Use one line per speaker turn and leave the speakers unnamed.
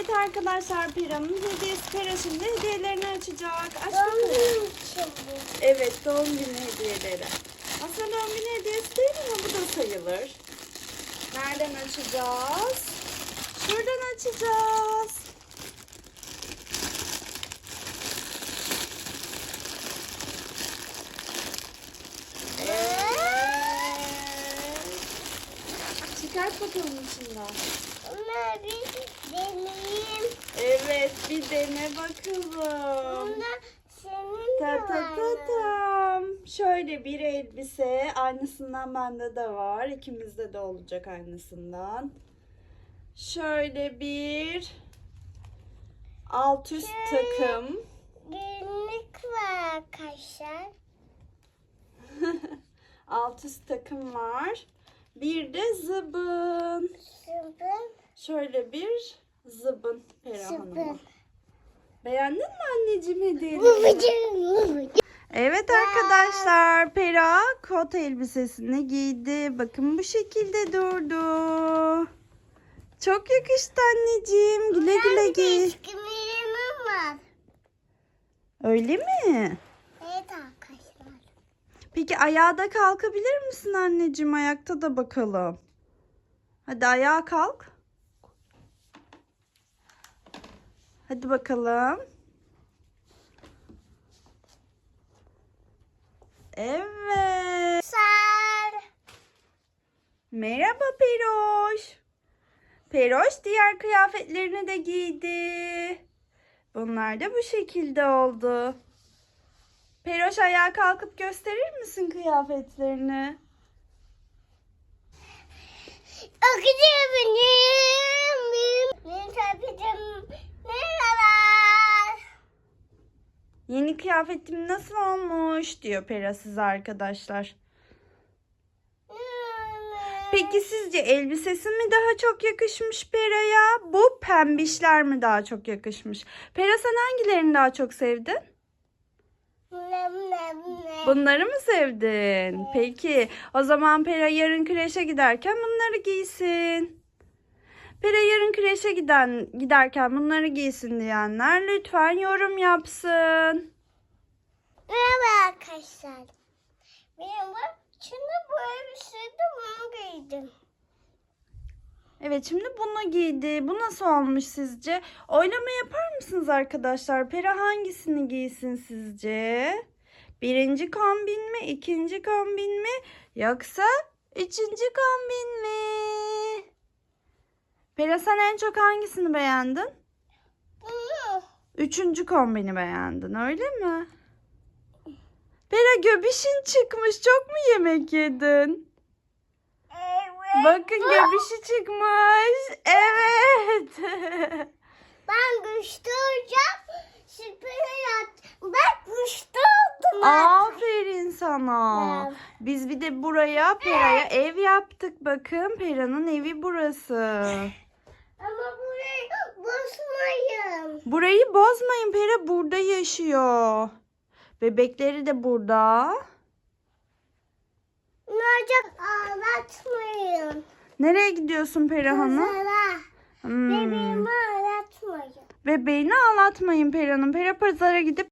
Evet arkadaşlar, Pera'nın hediyesi. Pera şimdi hediyelerini açacak. Aç bakalım. Evet, doğum günü hediyeleri. Aslında doğum günü hediyesi değil ama bu da sayılır. Nereden açacağız? Şuradan açacağız. Evet. Çıkart bakalım içinden.
Ama bir deneyeyim.
Evet, bir dene bakalım.
Bunda senin
Ta
de
ta
var
ta
mı?
tam. Şöyle bir elbise. Aynısından bende de var. İkimizde de olacak aynısından. Şöyle bir alt üst takım.
Günlük var arkadaşlar.
Alt üst takım var. Bir de zıbın.
Sıvı.
Şöyle bir zıbın Pera Hanım'a.
Sıvı.
Beğendin mi anneciğim hediyeni?
Babacığım.
Evet arkadaşlar, Pera kot elbisesini giydi. Bakın bu şekilde durdu. Çok yakıştı anneciğim. Güle güle giy.
Eskimirim var.
Öyle mi?
Evet arkadaşlar.
Peki ayağa da kalkabilir misin anneciğim? Ayakta da bakalım. Hadi ayağa kalk. Hadi bakalım. Evet.
Sar.
Merhaba Peroş. Peroş diğer kıyafetlerini de giydi. Bunlar da bu şekilde oldu. Peroş ayağa kalkıp gösterir misin kıyafetlerini?
Akıcı benim tabitim. Merhabalar.
Yeni kıyafetim nasıl olmuş diyor Pera size arkadaşlar. Peki sizce elbisesi mi daha çok yakışmış Pera'ya? Bu pembişler mi daha çok yakışmış? Pera sen hangilerini daha çok sevdin? Bunları mı sevdin? Peki o zaman Pera yarın kreşe giderken bunları giysin. Pera yarın kreşe giderken bunları giysin diyenler lütfen yorum yapsın.
Merhaba arkadaşlar. Benim şimdi bu elbisede bunu giydim.
Evet şimdi bunu giydi. Bu nasıl olmuş sizce? Oylama yapar mısınız arkadaşlar? Pera hangisini giysin sizce? Birinci kombin mi? İkinci kombin mi? Yoksa üçüncü kombin mi? Pera sen en çok hangisini beğendin?
Bunu.
Üçüncü kombini beğendin öyle mi? Pera göbişin çıkmış. Çok mu yemek yedin?
Evet.
Bakın göbişi çıkmış. Evet.
Ben güçlü olacağım. Süper yat. Ben güçlü oldum.
Aferin sana.
Evet.
Biz bir de buraya Pera'ya ev yaptık. Bakın Pera'nın evi burası.
Ama burayı bozmayın.
Burayı bozmayın. Pera burada yaşıyor. Bebekleri de burada.
Nerede ağlatmayın.
Nereye gidiyorsun Pera Hanım?
Pazara.
Hmm.
Bebeğimi ağlatmayın.
Bebeğini ağlatmayın Pera'nın. Pera pazara gidip